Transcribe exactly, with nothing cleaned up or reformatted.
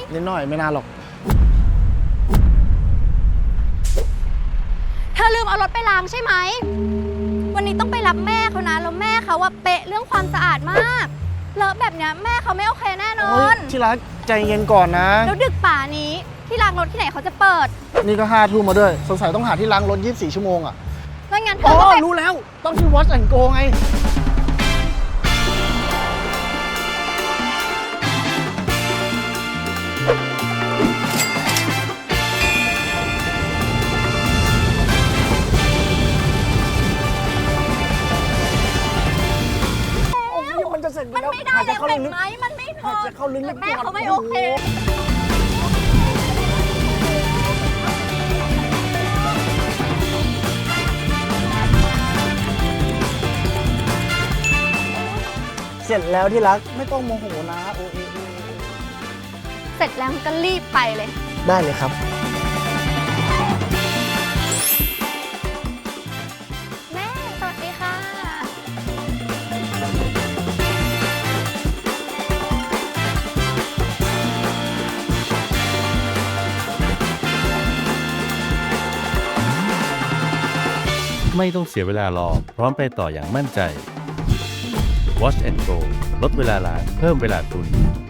นิดหน่อยไม่นานหรอกเธอลืมเอารถไปล้างใช่ไหมวันนี้ต้องไปรับแม่เขานะแล้วแม่เขาว่าเป๊ะเรื่องความสะอาดมากเลอะแบบเนี้ยแม่เขาไม่โอเคแน่นอนที่รักใจเย็นก่อนนะแล้วดึกป่านี้ที่ล้างรถที่ไหนเขาจะเปิดนี่ก็ห้าทุ่มมาด้วยสงสัยต้องหาที่ล้างรถยี่สิบสี่ชั่วโมงอ่ะงั้นงั้นเธอ๋อก็ไปอรู้แล้วต้องที่ Wash and Go ไงมันจะเสร็จมันไม่ได้เลยเห็นไหมมันไม่พอจะเข้าลึกๆแม่เขาไม่โอเคเสร็จแล้วที่รักไม่ต้องโมโหนะโอเอเอเสร็จแล้วก็รีบไปเลยได้เลยครับแม่สวัสดีค่ะไม่ต้องเสียเวลารอพร้อมไปต่ออย่างมั่นใจ Wash and Go ลดเวลาล้างเพิ่มเวลาคุณ